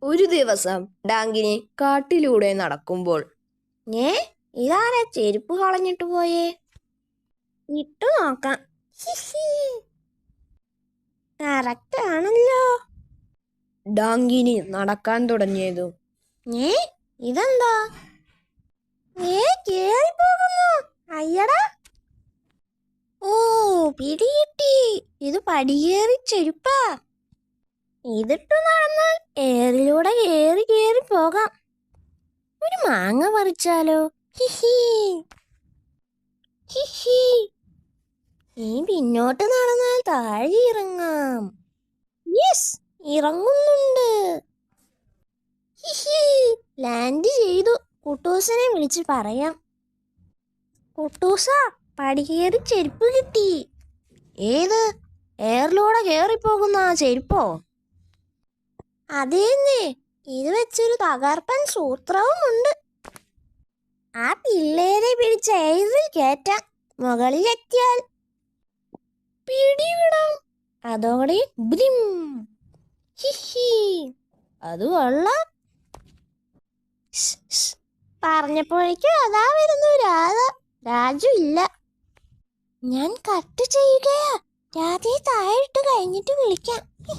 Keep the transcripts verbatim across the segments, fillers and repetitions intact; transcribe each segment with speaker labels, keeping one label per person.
Speaker 1: ഒരു ദിവസം ഡാങ്കിനി കാട്ടിലൂടെ നടക്കുമ്പോൾ
Speaker 2: ഏ ഇതാരാ ചെരുപ്പ് കളഞ്ഞിട്ട് പോയേ? ഇട്ടു നോക്കാം. കറക്റ്റ് ആണല്ലോ.
Speaker 1: ഡാങ്കിനി നടക്കാൻ തുടങ്ങിയതു
Speaker 2: ഏ ഇതെന്താ? ഏ കേറി പോകുന്നു. അയ്യടാ. ഓ പിടികിട്ടി. ഇത് പടിയേറി ചെരുപ്പാ. ഇതിട്ടു നടന്നാൽ ഏറിലൂടെ കേറി കേറി പോകാം. ഒരു മാങ്ങ പറിച്ചാലോ? ഹിഹി ഹിഹി. ഈ പിന്നോട്ട് നടന്നാൽ താഴെ ഇറങ്ങാം. യെസ്, ഇറങ്ങുന്നുണ്ട്. ഹിഹി, ലാൻഡ് ചെയ്തു. കുട്ടൂസനെ വിളിച്ച് പറയാം. കുട്ടൂസ, പടികേറി ചെരുപ്പ് കിട്ടി. ഏത്? എയറിലൂടെ കേറിപ്പോകുന്ന ആ ചെരുപ്പോ? അതേന്നെ, ഇത് വെച്ചൊരു തകർപ്പൻ സൂത്രവും ഉണ്ട്. ആ പിള്ളേരെ പിടിച്ച എയറിൽ കയറ്റാം. മുകളിലെത്തിയാൽ പിടിവിടാം. അതോടെ ബ്രിം. ഹിഹി, അത് കൊള്ളാം. പറഞ്ഞപ്പോഴേക്കും അതാ വരുന്നു രാധ. രാജു ഇല്ല. ഞാൻ കട്ട് ചെയ്യുകയാ. രാധയെ താഴിട്ട് കഴിഞ്ഞിട്ട് വിളിക്കാം.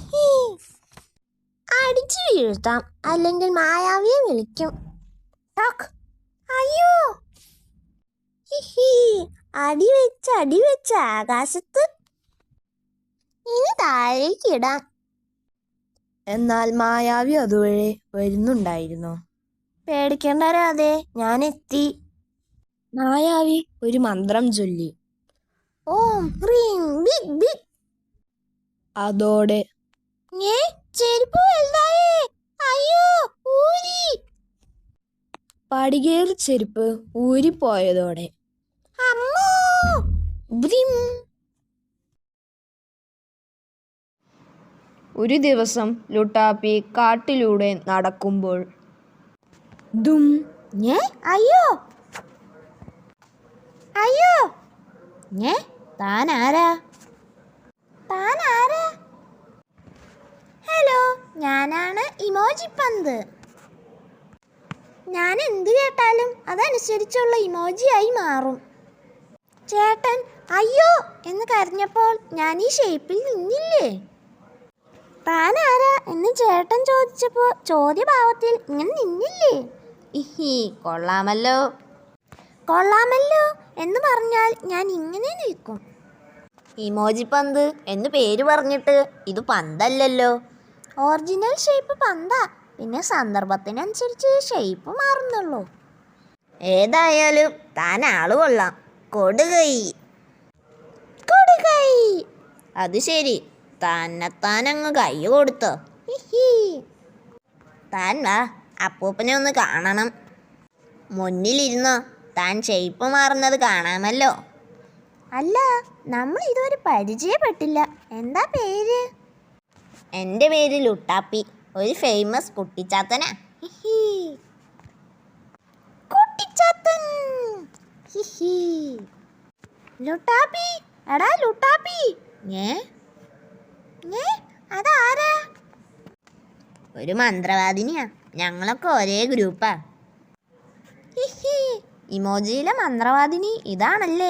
Speaker 2: അടിച്ചു വീഴ്ത്താം, അല്ലെങ്കിൽ മായാവിയെ വിളിക്കും. അയ്യോ, ഹിഹി, അടി വെച്ച് അടി വെച്ച് ആകാശത്ത്. ഇനി താഴേക്കിടാം.
Speaker 1: എന്നാൽ മായാവി അതുവഴി വരുന്നുണ്ടായിരുന്നു.
Speaker 2: പേടിക്കേണ്ട രാധേ, ഞാൻ എത്തി.
Speaker 1: മായാവി ഒരു മന്ത്രം ചൊല്ലി.
Speaker 2: ഓം ഹ്രീം ബിഗ് ബിഗ്.
Speaker 1: അതോടെ
Speaker 2: ഏ ചെരുപ്പ് വലുതായേ. അയ്യോ, ഊരി.
Speaker 1: പടികേറി ചെരുപ്പ് ഊരിപ്പോയതോടെ
Speaker 2: അമ്മോ, ബ്രിം.
Speaker 1: ഒരു ദിവസം ലുട്ടാപ്പി കാട്ടിലൂടെ നടക്കുമ്പോൾ ദും.
Speaker 2: ഏ അയ്യോ അയ്യോ. ഏ താൻ ആരാ? താൻ ആരാ? ഹലോ, ഞാനാണ് ഇമോജി പന്ത്. ഞാൻ എന്ത് കേട്ടാലും അതനുസരിച്ചുള്ള ഇമോജിയായി മാറും. ചേട്ടൻ അയ്യോ എന്ന് കരഞ്ഞപ്പോൾ ഞാൻ ഈ ഷേപ്പിൽ നിന്നില്ലേ? താൻ ആരാ എന്ന് ചേട്ടൻ ചോദിച്ചപ്പോൾ ചോദ്യഭാവത്തിൽ ഇങ്ങനെ നിന്നില്ലേ? ഇഹി, കൊള്ളാമല്ലോ. കൊള്ളാമല്ലോ എന്ന് പറഞ്ഞാൽ ഞാൻ ഇങ്ങനെ നിൽക്കും. ഇമോജി പന്ത് എന്ന് പേര് പറഞ്ഞിട്ട് ഇത് പന്തല്ലല്ലോ. ഒറിജിനൽ ഷേപ്പ് പന്താ, പിന്നെ സന്ദർഭത്തിനനുസരിച്ച് ഷേപ്പ് മാറുന്നുള്ളൂ. ഏതായാലും താൻ ആള് കൊള്ളാം. കൊടുകൈ കൊടുകൈ. അത് ശരി, തന്നെത്താനങ്ങ് കൈ കൊടുത്തോ? താൻ വാ, അപ്പൂപ്പനെ ഒന്ന് കാണണം. മുന്നിലിരുന്നോ, താൻ ഷേപ്പ് മാറുന്നത് കാണാമല്ലോ. അല്ല, നമ്മൾ ഇതുവരെ പരിചയപ്പെട്ടില്ല. എന്താ പേര്? എൻ്റെ പേര് ലുട്ടാപ്പി, ഒരു ഫേമസ് കുട്ടിച്ചാത്തനാ. കുട്ടിച്ചാത്തൻ. ലുട്ടാപ്പി, എടാ ലുട്ടാപ്പി. ഏ ഏ അതാരാ? ഒരു മന്ത്രവാദിനിയാ. ഞങ്ങളൊക്കെ ഒരേ ഗ്രൂപ്പാ. ഇമോജിയിലെ മന്ത്രവാദിനി ഇതാണല്ലേ?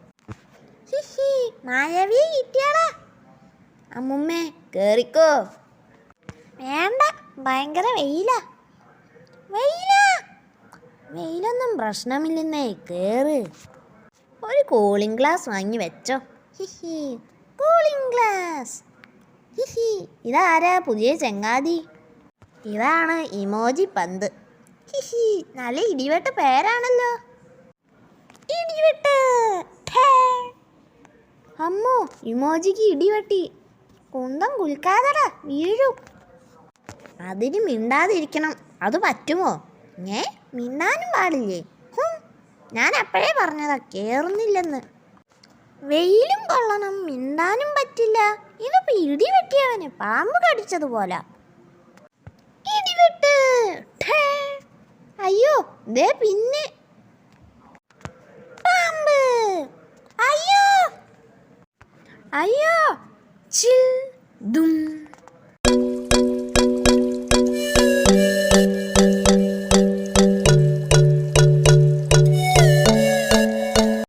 Speaker 2: മായാവിയെ കിട്ടിയാടാ. അമ്മുമ്മേ, കേറിക്കോ. വേണ്ട, ഭയങ്കര വെയിലാ. വെയിലാ വെയിലൊന്നും പ്രശ്നമില്ലെന്നേ, കേറ്. ഒരു കൂളിംഗ് ഗ്ലാസ് വാങ്ങി വെച്ചോ. ഹിഹി, കൂളിംഗ് ഗ്ലാസ്. ഹിഹി, ഇതാരാ പുതിയ ചങ്ങാതി? ഇതാണ് ഇമോജി പന്ത്. ഹിഹി, നല്ല ഇടിവെട്ട് പേരാണല്ലോ. ഇടിവെട്ട്. അമ്മോ, ഇമോജിക്ക് ഇടിവെട്ടി. കുന്തം കുൽക്കാതടാ, വീഴും. അതിന് മിണ്ടാതിരിക്കണം. അത് പറ്റുമോ? ഏ മിണ്ടാനും പാടില്ലേ? ഞാൻ അപ്പോഴേ പറഞ്ഞതാ കേറുന്നില്ലെന്ന്. വെയിലും കൊള്ളണം, മിണ്ടാനും പറ്റില്ല. ഇതിപ്പോ ഇടി വെട്ടിയവന് പാമ്പ് കടിച്ചതുപോലെ. ഇടിവെട്ട്. അയ്യോ, ദേ പിന്നെ പാമ്പ്. അയ്യോ അയ്യോ. ചിൽ ദും.